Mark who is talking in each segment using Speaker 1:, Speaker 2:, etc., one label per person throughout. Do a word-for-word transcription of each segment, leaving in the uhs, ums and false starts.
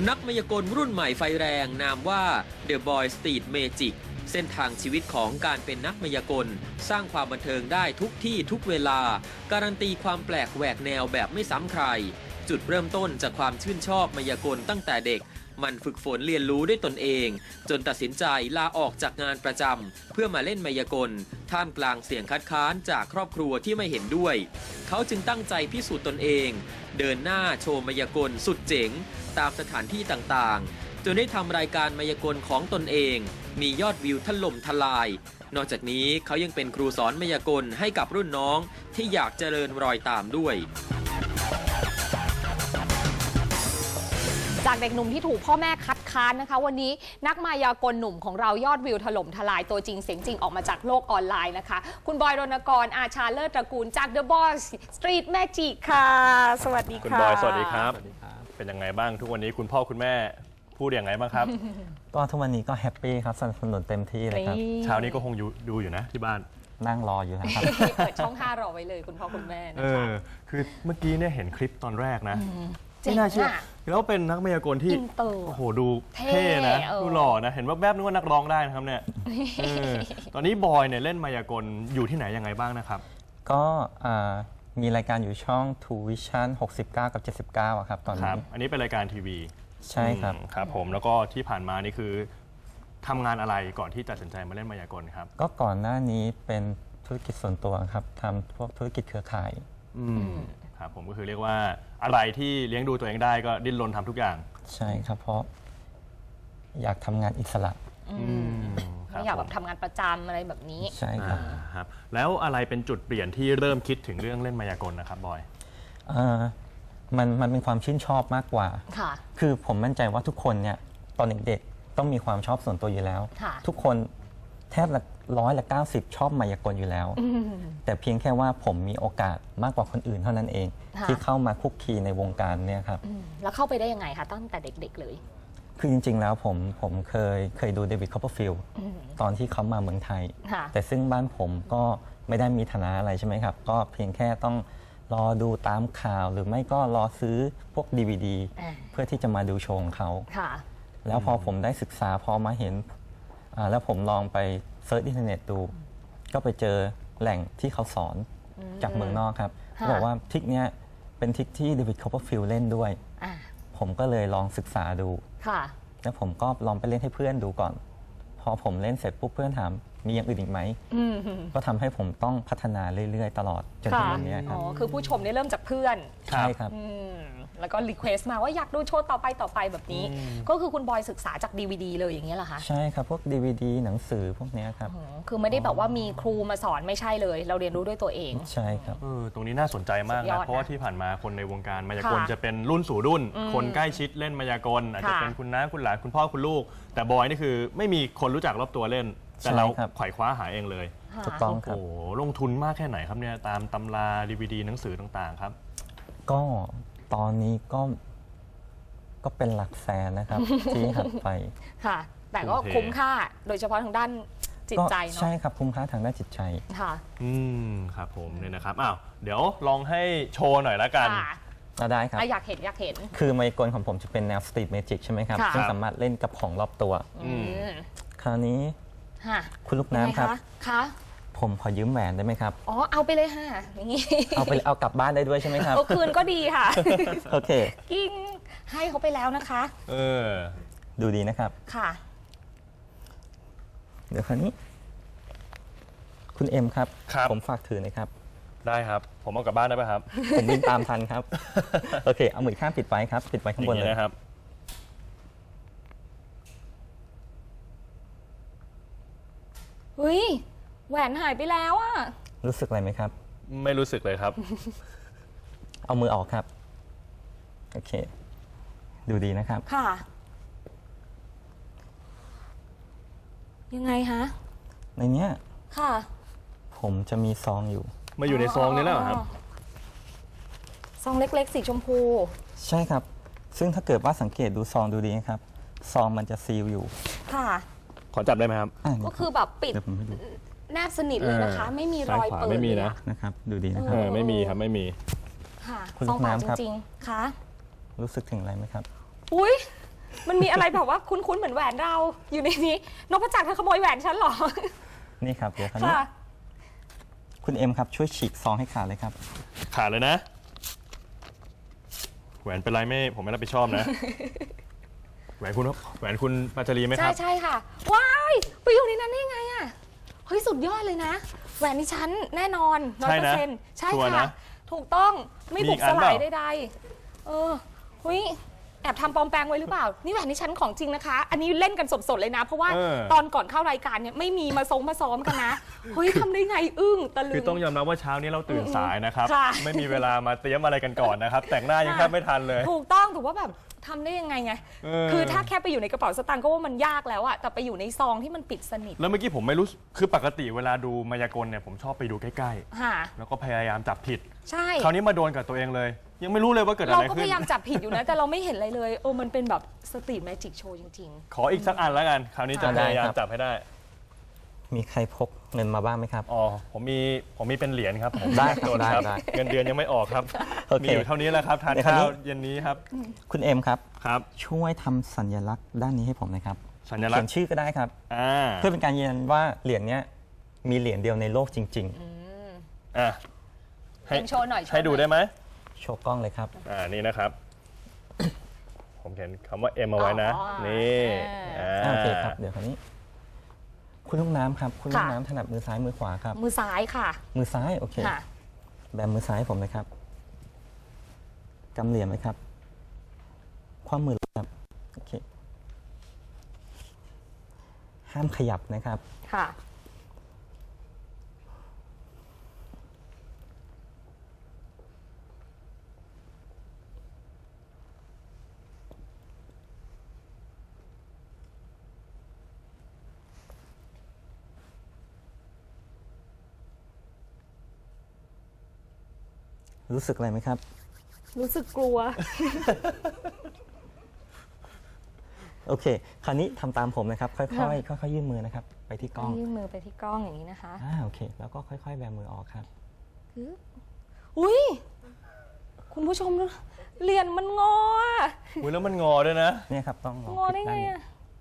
Speaker 1: นักมายากลรุ่นใหม่ไฟแรงนามว่า The Boy Street Magic เส้นทางชีวิตของการเป็นนักมายากลสร้างความบันเทิงได้ทุกที่ทุกเวลาการันตีความแปลกแหวกแนวแบบไม่ซ้ำใครจุดเริ่มต้นจากความชื่นชอบมายากลตั้งแต่เด็กมันฝึกฝนเรียนรู้ด้วยตนเองจนตัดสินใจลาออกจากงานประจำเพื่อมาเล่นมายากลท่ามกลางเสียงคัดค้านจากครอบครัวที่ไม่เห็นด้วยเขาจึงตั้งใจพิสูจน์ตนเองเดินหน้าโชว์มายากลสุดเจ๋งตามสถานที่ต่างๆจนได้ทำรายการมายากลของตนเองมียอดวิวถล่มทลายนอกจากนี้เขายังเป็นครูสอนมายากลให้กับรุ่นน้องที่อยากเจริญรอยตามด้วย
Speaker 2: จากเด็กหนุ่มที่ถูกพ่อแม่คัดค้านนะคะวันนี้นักมายากลหนุ่มของเรายอดวิวถล่มทลายตัวจริงเสียงจริงออกมาจากโลกออนไลน์นะคะคุณบอยรณกรอาชาเลิศตระกูลจาก The Boy Street Magic ค่ะสวัสดีค่ะ
Speaker 3: คุณบอยสวัสดีครับเป็นยังไงบ้างทุกวันนี้คุณพ่อคุณแม่พูดอย่างไรบ้างครับ
Speaker 4: ก็ทุกวันนี้ก็แฮปปี้ครับสนับสนุนเต็มที่เลยครับ
Speaker 3: เช้านี้ก็คงดูอยู่นะที่บ้าน
Speaker 4: นั่งรออยู่ครับ
Speaker 2: เปิดช่องห้ารอไว้เลยคุณพ่อคุณแม่นะคะ
Speaker 3: คือเมื่อกี้เนี่ยเห็นคลิปตอนแรกนะไม่น่าเชื่อแล้วเป็นนักมายากลที่โอ้โหดูเท่นะดูหล่อนะเห็นว่าแวบนึกว่านักร้องได้นะครับเนี่ยตอนนี้บอยเนี่ยเล่นมายากลอยู่ที่ไหนยังไงบ้างนะครับ
Speaker 4: ก็มีรายการอยู่ช่อง ทู Vision หกสิบเก้ากับเจ็ดสิบเก้าครับตอนนี้
Speaker 3: อันนี้เป็นรายการทีวี
Speaker 4: ใช่ครับ
Speaker 3: ครับผมแล้วก็ที่ผ่านมานี่คือทำงานอะไรก่อนที่ตัดสินใจมาเล่นมายากลครับ
Speaker 4: ก็ก่อนหน้านี้เป็นธุรกิจส่วนตัวครับทำพวกธุรกิจเครือข่าย
Speaker 3: ครับผมก็คือเรียกว่าอะไรที่เลี้ยงดูตัวเองได้ก็ดิ้นรนทำทุกอย่าง
Speaker 4: ใช่ครับเพราะอยากทำงานอิสระ
Speaker 2: ไม่อยากแบบทำงานประจำอะไรแบบนี้
Speaker 4: ใช่ครับ
Speaker 3: ครับแล้วอะไรเป็นจุดเปลี่ยนที่เริ่มคิดถึงเรื่องเล่นมายากลนะครับบอย
Speaker 4: มันมันเป็นความชื่นชอบมากกว่า
Speaker 2: ค่ะ
Speaker 4: คือผมมั่นใจว่าทุกคนเนี่ยตอนเด็กๆต้องมีความชอบส่วนตัวอยู่แล้วทุกคนแทบละร้อยละเก้าสิบชอบมายากลอยู่แล้วแต่เพียงแค่ว่าผมมีโอกาสมากกว่าคนอื่นเท่านั้นเองที่เข้ามาคุกคีในวงการเนี่ยครับ
Speaker 2: แล้วเข้าไปได้ยังไงคะตั้งแต่เด็กๆเลย
Speaker 4: คือจริงๆแล้วผมผมเคยเคยดูเดวิด คอปเปอร์ฟิลด์ตอนที่เขามาเมืองไทยแต่ซึ่งบ้านผมก็ไม่ได้มีฐานะอะไรใช่ไหมครับก็เพียงแค่ต้องรอดูตามข่าวหรือไม่ก็รอซื้อพวก ดี วี ดี เพื่อที่จะมาดูโชว์ของเขาแล้วพอผมได้ศึกษาพอมาเห็นแล้วผมลองไปเซิร์ชอินเทอร์เน็ตดูก็ไปเจอแหล่งที่เขาสอนจากเมืองนอกครับเขาบอกว่าทริคเนี้ยเป็นทริคที่เดวิด คอปเปอร์ฟิลด์เล่นด้วยผมก็เลยลองศึกษาดูแล้วผมก็ลองไปเล่นให้เพื่อนดูก่อนพอผมเล่นเสร็จปุ๊บเพื่อนถามมีอย่างอื่นอีกไหมก็ทำให้ผมต้องพัฒนาเรื่อยๆตลอดจนถึงวันนี้ครับ
Speaker 2: อ๋อคือผู้ชมได้เริ่มจากเพื่อน
Speaker 4: ใช่ครับ
Speaker 2: แล้วก็รีเควสต์มาว่าอยากดูโชว์ต่อไปต่อไปแบบนี้ก็คือคุณบอยศึกษาจาก ดี วี ดี เลยอย่างเงี้ยเหรอคะ
Speaker 4: ใช่ครับพวก ดี วี ดี หนังสือพวกนี้ครับ
Speaker 2: คือไม่ได้แบบว่ามีครูมาสอนไม่ใช่เลยเราเรียนรู้ด้วยตัวเอง
Speaker 4: ใช่ครับ
Speaker 3: ตรงนี้น่าสนใจมากนะเพราะว่าที่ผ่านมาคนในวงการมายากลจะเป็นรุ่นสู่รุ่นคนใกล้ชิดเล่นมายากลอาจจะเป็นคุณน้าคุณหลานคุณพ่อคุณลูกแต่บอยนี่คือไม่มีคนรู้จักรอบตัวเล่นแต่เราไขว่คว้าหาเองเลย
Speaker 4: ถูกต้องครับ
Speaker 3: โอ้ลงทุนมากแค่ไหนครับเนี่ยตามตำรา ดี วี ดี หนังสือต่างๆครับ
Speaker 4: ก็ตอนนี้ก็ก็เป็นหลักแสนนะครับที่หักไป
Speaker 2: ค่ะแต่ก็คุ้มค่าโดยเฉพาะทางด้านจิตใจเนาะ
Speaker 4: ใช่ครับคุ้มค่าทางด้านจิตใจ
Speaker 2: ค่ะ
Speaker 3: อืมครับผมเนี่ยนะครับอ้าวเดี๋ยวลองให้โชว์หน่อยละกัน
Speaker 4: ได้ครับ
Speaker 2: อยากเห็นอยากเห็น
Speaker 4: คือมายากลของผมจะเป็นแนวสตรีทเมจิกใช่ไหมครับซึ่งสามารถเล่นกับของรอบตัวคราวนี้คุณลูกน้ำครับ
Speaker 2: ค่ะ
Speaker 4: ผมขอยืมแหวนได้ไหมครับ
Speaker 2: อ๋อเอาไปเลยค่ะอย่างนี้
Speaker 4: เอาไปเอากลับบ้านได้ด้วยใช่ไหมครับ
Speaker 2: เอาคืนก็ดีค่ะ
Speaker 4: โอเค
Speaker 2: กิ้งให้เขาไปแล้วนะคะ
Speaker 3: เออ
Speaker 4: ดูดีนะครับ
Speaker 2: ค่ะ
Speaker 4: เดี๋ยวคราวนี้คุณเอ็มครับผมฝากถือหน่อยครับ
Speaker 3: ได้ครับผมเอากลับบ้านได้ไหมครับ
Speaker 4: ผมวิ่งตามทันครับโอเคเอามือข้างปิดไว้ครับปิดไว้ข้างบนเลย
Speaker 3: นะครับ
Speaker 2: เฮ้ยแหวนหายไปแล้วอะ
Speaker 4: รู้สึกอะไรไหมครับ
Speaker 3: ไม่รู้สึกเลยครับ
Speaker 4: เอามือออกครับโอเคดูดีนะครับ
Speaker 2: ค่ะยังไงฮะ
Speaker 4: ในเนี้ย
Speaker 2: ค่ะ
Speaker 4: ผมจะมีซองอยู่
Speaker 3: มาอยู่ในซองนี้แล้วครับ
Speaker 2: ซองเล็กๆสีชมพู
Speaker 4: ใช่ครับซึ่งถ้าเกิดว่าสังเกตดูซองดูดีนะครับซองมันจะซีลอยู่
Speaker 2: ค่ะ
Speaker 3: ขอจับได้ไหมครับ
Speaker 2: ก็คือแบบปิดแนบสนิทเลยนะคะไม่มีรอยเปิด
Speaker 3: ไม่มีนะ
Speaker 4: นะครับดูดีนะครับ
Speaker 3: ไม่มีครับไม่มี
Speaker 2: ค่ะคุณลูกน้ำครับจริงๆค่ะ
Speaker 4: รู้สึกถึงอะไรไหมครับ
Speaker 2: อุ้ยมันมีอะไรแบบว่าคุ้นๆเหมือนแหวนเราอยู่ในนี้นพจักรเธอขโมยแหวนฉันเหรอ
Speaker 4: นี่ครับเดี๋ยวคราวนี้คุณเอ็มครับช่วยฉีกซองให้ขาดเลยครับ
Speaker 3: ขาดเลยนะแหวนเป็นไรไม่ผมไม่รับผิดชอบนะ แหวนคุณแหวนคุณปาจารีไหมค
Speaker 2: ใช่
Speaker 3: รับ
Speaker 2: ใช่ค่ะว้ายไปอยู่ในนั้นได้ไงอ่ะเฮ้ยสุดยอดเลยนะแหวนนี่ฉันแน่นอนร้อย
Speaker 3: ใช่
Speaker 2: เปอร์
Speaker 3: นะ
Speaker 2: เซ็นต์ใช่
Speaker 3: ชัวร์
Speaker 2: ค่ะ
Speaker 3: นะ
Speaker 2: ถูกต้องไม่
Speaker 3: มี
Speaker 2: บุ
Speaker 3: อี
Speaker 2: ก
Speaker 3: กอั
Speaker 2: ส
Speaker 3: นเป
Speaker 2: ลา
Speaker 3: ล่า
Speaker 2: ยใดๆเออเฮ้ยแอบทำปลอมแปลงไว้หรือเปล่านี่แหวนนี่ฉันของจริงนะคะ อันนี้เล่นกันสดๆเลยนะ เพราะว่า
Speaker 3: เออ
Speaker 2: ตอนก่อนเข้ารายการเนี่ยไม่มีมาซงมาซ้อมกันนะเฮ้ยทำได้ไงอึ้งตะลึ
Speaker 3: คือง ต้องยอมรับว่าเช้านี้เราตื่นสายนะครับ
Speaker 2: ค่ะ
Speaker 3: ไม่มีเวลามาเตรียมอะไรกันก่อนนะครับ แต่งหน้ายังแทบไม่ทันเลย
Speaker 2: ถูกต้องถือว่าแบบทำได้ยังไงไง
Speaker 3: เออ
Speaker 2: คือถ้าแค่ไปอยู่ในกระเป๋าสตางค์ก็ว่ามันยากแล้วอะแต่ไปอยู่ในซองที่มันปิดสนิท
Speaker 3: แล้วเมื่อกี้ผมไม่รู้คือปกติเวลาดูมายากลเนี่ยผมชอบไปดูใกล้
Speaker 2: ค่ะ
Speaker 3: ๆ แล้วก็พยายามจับผิด
Speaker 2: ใช่
Speaker 3: คราวนี้มาโดนกับตัวเองเลย ยังไม่รู้เลยว่าเกิดอะ
Speaker 2: เรา
Speaker 3: ไร
Speaker 2: ก็
Speaker 3: ขึ้
Speaker 2: พ
Speaker 3: น
Speaker 2: ยายามจับผิดอยู่นะ แต่เราไม่เห็นอะไรเลยเออมันเป็นแบบสตรีทแมจิกโชว์จริง
Speaker 3: ขออีกสักอันแล้วกัน คราวนี้จะ
Speaker 4: ได้
Speaker 3: พยายาม
Speaker 4: ครับ
Speaker 3: จับให้ได้
Speaker 4: มีใครพกเงินมาบ้างไหมครับ
Speaker 3: อ๋อผมมีผมมีเป็นเหรียญครับผม
Speaker 4: ได้ครับ
Speaker 3: โดน
Speaker 4: ได้
Speaker 3: ครับ
Speaker 4: ได้
Speaker 3: เงินเดือนยังไม่ออกครับ
Speaker 4: โอเค
Speaker 3: มีอยู่เท่านี้แหละครับทาน
Speaker 4: เดี๋ยวคราว
Speaker 3: ข้า
Speaker 4: นี้
Speaker 3: วเย็นนี้ครับ
Speaker 4: คุณเอ็มครับ
Speaker 3: ครับ
Speaker 4: ช่วยทำสัญลักษณ์ด้านนี้ให้ผมหนะครับ
Speaker 3: สัญลัก
Speaker 4: เขีย
Speaker 3: ษ
Speaker 4: น
Speaker 3: ณ์
Speaker 4: ชื่อก็ได้ครับ
Speaker 3: อ่า
Speaker 4: เพื่อเป็นการยืนยันว่าเหรียญเนี้ยมีเหรียญเดียวในโลกจริง
Speaker 3: อ่ะ
Speaker 2: ๆ
Speaker 3: ให้
Speaker 2: เอ็มโชว์หน่อยโชว์
Speaker 3: ให้ดู
Speaker 2: หน่อย
Speaker 3: ได้ไหม
Speaker 4: ๆ โชว์กล้องเลยครับ
Speaker 3: อ่านี่นะครับ ผมเขียนคำว่า M เอาไว้นะ
Speaker 2: อ๋อ
Speaker 3: นี่
Speaker 2: อ่า
Speaker 3: อ่า
Speaker 4: โอเคครับ เดี๋ยวคราวนี้ คุณลูกน้ำครับ คุณลูก
Speaker 2: ค่ะ
Speaker 4: น้ำถนัดมือซ้ายมือขวาครับ
Speaker 2: มือซ้ายค่ะ
Speaker 4: มือซ้ายโอเค
Speaker 2: ค่ะ
Speaker 4: แบมือซ้ายผมนะครับกำเหลี่ยมไหมครับ คว่ำมือลงครับโอเคห้ามขยับนะครับ
Speaker 2: ค่ะ
Speaker 4: รู้สึกอะไรไหมครับ
Speaker 2: รู้สึกกลัว
Speaker 4: โอเค คราวนี้ทำตามผมนะครับ ค่อยๆ ค่อยๆ ยื่นมือนะครับ ไปที่กล้อง
Speaker 2: ยื่นมือไปที่กล้องอย่างนี้นะคะ
Speaker 4: อ่าโอเค แล้วก็ค่อยๆ แบมือออกครับ
Speaker 2: อุ้ยคุณผู้ชมดูเหรียญมันงออะ
Speaker 3: อุ้ยแล้วมันงอด้วยนะ
Speaker 4: เนี่ยครับ ต้องลอง
Speaker 2: งอได้ไงอะ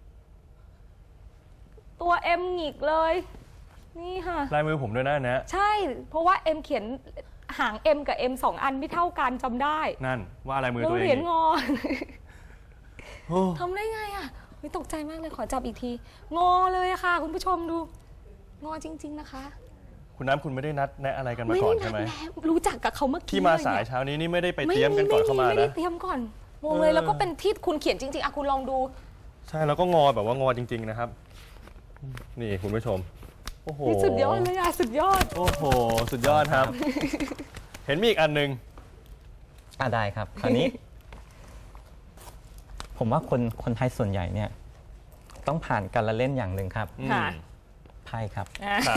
Speaker 2: ตัวเอ็มหงิกเลย นี่ค่ะ
Speaker 3: ลายมือผมด้วยนะอันเนะ
Speaker 2: ใช่ เพราะว่าเอ็มเขียนหาง M กับ M สองอันไม่เท่ากันจำได้
Speaker 3: นั่นว่าลายมือ
Speaker 2: แล้ว
Speaker 3: ตัวเอ
Speaker 2: เหรีย
Speaker 3: ง
Speaker 2: ญงอ
Speaker 3: โอ้
Speaker 2: ทำได้ไงอ่ะไม่ตกใจมากเลยขอจับอีกที งอเลยอะค่ะ คุณผู้ชมดู งอจริง ๆนะคะ
Speaker 3: คุณน้ำคุณไม่ได้นัดแนะอะไรกันมา
Speaker 2: ไม่
Speaker 3: ก่อ
Speaker 2: ได้
Speaker 3: นใช่ไหม
Speaker 2: นัดแนะรู้จักกับเขาเมื่อกี้
Speaker 3: ที่มา
Speaker 2: เลย
Speaker 3: สาย
Speaker 2: เนี่ย
Speaker 3: เช้านี้นี่ไม่ได้ไปเตรียมกันก่อนเข้ามา
Speaker 2: ไม่ได้
Speaker 3: นะ
Speaker 2: เตรียมก่อนงงเลยแล้วก็เป็นที่คุณเขียนจริงๆอะคุณลองดู
Speaker 3: ใช่แล้วก็งอแบบว่างอจริง ๆนะครับ นี่คุณผู้ชมโอ้โห
Speaker 2: นี่สุดยอดเลยอะสุดยอด
Speaker 3: โอ้โหสุดยอดครับ เห็นมีอีกอันหนึ่ง
Speaker 4: อ่าได้ครับ คราวนี้ ผมว่าคนคนไทยส่วนใหญ่เนี่ย ต้องผ่านการละเล่นอย่างหนึ่งครับ
Speaker 3: อืม
Speaker 2: ค่ะ
Speaker 4: ไพ่ครับ
Speaker 2: อ่ะ
Speaker 3: ครับ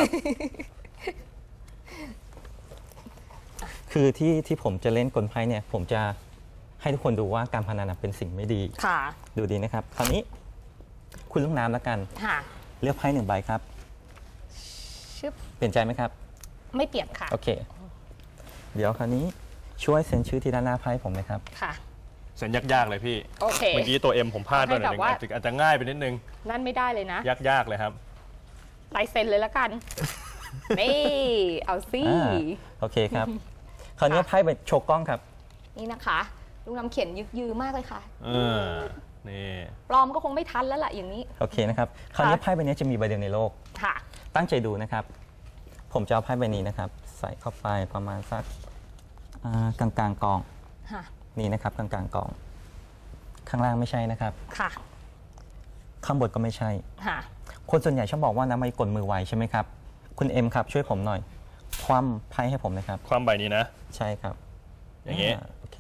Speaker 4: คือที่ที่ผมจะเล่นกลไพ่เนี่ย ผมจะให้ทุกคนดูว่าการพนันนะเป็นสิ่งไม่ดี
Speaker 2: ค่ะ
Speaker 4: ดูดีนะครับ คราวนี้ คุณลูกน้ำแล้วกัน
Speaker 2: ค่ะ
Speaker 4: เลือกไพ่หนึ่งใบครับ
Speaker 2: ชึบ
Speaker 4: เปลี่ยนใจไหมครับ
Speaker 2: ไม่เปลี่ยนค่ะ
Speaker 4: โอเค เดี๋ยวคราวนี้ช่วยเซ็นชื่อที่ด้านหน้าไพ่ผมนะครับ
Speaker 2: ค่ะ
Speaker 3: เซ็นยากๆเลยพี่
Speaker 2: โอเค
Speaker 3: เมื่อกี้ตัว M ผมพลาดไปหน่อยนึง
Speaker 2: ให้แบบว่า
Speaker 3: อาจจะอาจจะง่ายไปนิดนึง
Speaker 2: นั่นไม่ได้เลยนะ
Speaker 3: ยากๆเลยครับ
Speaker 2: ลายเซ็นเลยละกัน นี่ เอาสิ
Speaker 4: อ่า โอเคครับ คราวนี้ไพ่ไปโชว์กล้องครับ
Speaker 2: นี่นะคะลุงน้ำเขียนยึกยือมากเลยค่ะ
Speaker 3: เออ นี่
Speaker 2: ปลอมก็คงไม่ทันแล้วล่ะอย่างนี้
Speaker 4: โอเคนะครับ คราวนี้ไพ่ใบนี้จะมีใบเดียวในโลก
Speaker 2: ค่ะ
Speaker 4: ตั้งใจดูนะครับ ผมจะเอาไพ่ใบนี้นะครับ ใส่เข้าไปประมาณสักอ่ากลางกลางๆกอง
Speaker 2: ค่ะ
Speaker 4: นี่นะครับกลางกลางๆกอง ข้างล่างไม่ใช่นะครับ
Speaker 2: ค่ะ
Speaker 4: ข้างบนก็ไม่ใช่
Speaker 2: ค่ะ
Speaker 4: คนส่วนใหญ่ชอบบอกว่าน้ำไม่กลมือไวใช่ไหมครับ คุณเอ็มครับช่วยผมหน่อย คว่ำไพ่ให้ผมนะครับ
Speaker 3: ความใบนี้นะ
Speaker 4: ใช่ครับ
Speaker 3: อย่างนี้
Speaker 4: าโอเค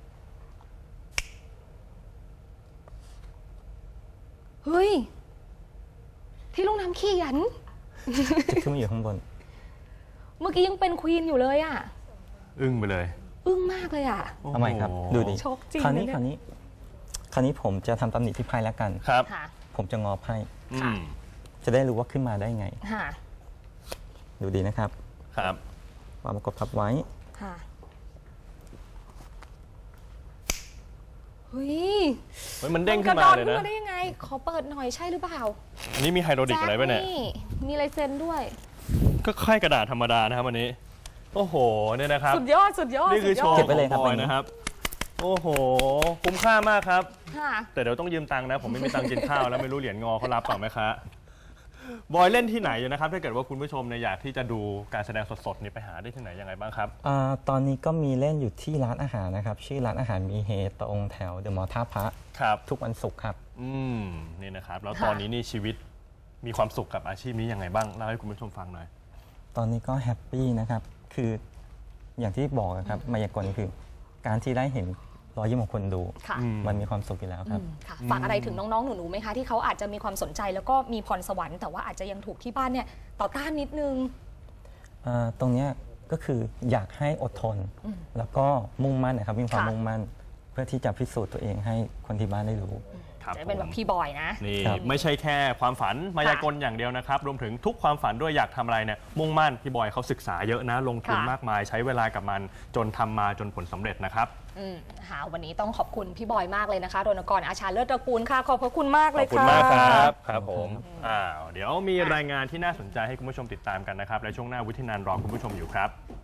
Speaker 2: เฮ้ย ที่ลุงน้ำเขียน
Speaker 4: จุดที่มันอยู่ข้างบน
Speaker 2: เมื่อกี้ยังเป็นควีนอยู่เลยอ่ะ
Speaker 3: อึ้งไปเลย
Speaker 2: อึ้งมากเลยอ่ะ
Speaker 4: เอาใหม่ครับ
Speaker 3: โอ้โห
Speaker 4: ดูดิ
Speaker 2: โชคจริง
Speaker 4: คราวนี้
Speaker 2: นะเนี่ย
Speaker 4: คราวนี้ คราวนี้ผมจะทำตำหนิที่ไพ่แล้วกัน
Speaker 3: ครับ
Speaker 2: ค่ะ
Speaker 4: ผมจะงอไพ่
Speaker 3: อืม
Speaker 4: จะได้รู้ว่าขึ้นมาได้ไง
Speaker 2: ค่ะ
Speaker 4: ดูดีนะครับ
Speaker 3: ครับ
Speaker 4: วางกดทับไว้
Speaker 2: ค่ะ
Speaker 3: อ
Speaker 2: เฮ้ย
Speaker 3: เฮ้ยมันเด้งขึ้นมาเลย
Speaker 2: กระโดดขึ้
Speaker 3: นะ
Speaker 2: นมาได้ยังไงขอเปิดหน่อยใช่หรือเปล่า
Speaker 3: อันนี้มีไฮโดรลิกอะไรป่ะเนี่ย
Speaker 2: มีลายเซ็นด้วย
Speaker 3: ก็ค่ายกระดาษธรรมดานะครับวันนี้โอ้โหเนี่ยนะครับ
Speaker 2: สุดยอดสุดยอด
Speaker 3: นี่คือโชว์
Speaker 4: เก็
Speaker 3: ข
Speaker 4: บไว้เลย
Speaker 3: อง
Speaker 4: ครับ
Speaker 3: บอยนะครับโอ้โหคุ้มค่ามากครับ
Speaker 2: ค่ะ
Speaker 3: แต่เดี๋ยวต้องยืมตังค์นะผมไม่มีตังค์กินข้าวแล้วไม่รู้เหรียญงอเขารับเปล่าไหมคะบอยเล่นที่ไหนอยู่นะครับถ้าเกิดว่าคุณผู้ชมเนี่ยอยากที่จะดูการแสดงสดๆนี่ไปหาได้ที่ไหนยังไงบ้างครับ
Speaker 4: อ่าตอนนี้ก็มีเล่นอยู่ที่ร้านอาหารนะครับ ชื่อร้านอาหารมีเฮตรงแถวเดอะมอลล์ท่าพระ
Speaker 3: ครับ
Speaker 4: ทุกวันศุกร์ครับ
Speaker 3: อืมนี่นะครับแล้ว
Speaker 2: ค่ะ
Speaker 3: ตอนนี้นี่ชีวิตมีความสุขกับอาชีพนี้ยังไงบ้างเล่าให้คุณผู้ชมฟังหน่อย
Speaker 4: ตอนนี้ก็แฮปปี้นะครับ คืออย่างที่บอกนะครับมายากลคือ การที่ได้เห็นรอยยิ้มของคนดู
Speaker 2: ค่ะ
Speaker 3: อืม
Speaker 4: มันมีความสุขอยู่แล้วครับ
Speaker 2: อืมค่ะฝากอะไรถึงน้องๆหนูๆไหมคะที่เขาอาจจะมีความสนใจแล้วก็มีพรสวรรค์แต่ว่าอาจจะยังถูกที่บ้านเนี่ยต่อต้านนิดนึง
Speaker 4: อ่าตรงเนี้ยก็คืออยากให้อดทน แล้วก็มุ่งมั่นนะครับมีความ
Speaker 2: ค่ะ
Speaker 4: มุ่งมั่น เพื่อที่จะพิสูจน์ตัวเองให้คนที่บ้านได้รู้
Speaker 3: ครับ
Speaker 2: จะเป็น
Speaker 3: ผ
Speaker 2: แบ
Speaker 3: ม
Speaker 2: บพี่บอยนะ
Speaker 3: นี่
Speaker 4: ครับ
Speaker 3: ไม่ใช่แค่ความฝันมายากลอย่างเดียวนะครับ รวมถึงทุกความฝันด้วยอยากทำอะไรเนี่ยมุ่งมั่นพี่บอยเขาศึกษาเยอะนะลงทุน
Speaker 2: ค่ะ
Speaker 3: มากมายใช้เวลากับมันจนทำมาจนผลสำเร็จนะครับ
Speaker 2: อืมค่ะวันนี้ต้องขอบคุณพี่บอยมากเลยนะคะรณกรอาชาเลิศตระกูลค่ะ ขอบพระคุณมาก
Speaker 3: ข
Speaker 2: เล
Speaker 3: อบ
Speaker 2: ย
Speaker 3: คุณ
Speaker 2: ค่ะ
Speaker 3: มากครับครับผมอ้าวเดี๋ยวมีรายงานที่น่าสนใจให้คุณผู้ชมติดตามกันนะครับและช่วงหน้าวุฒินันท์รอคุณผู้ชมอยู่ครับ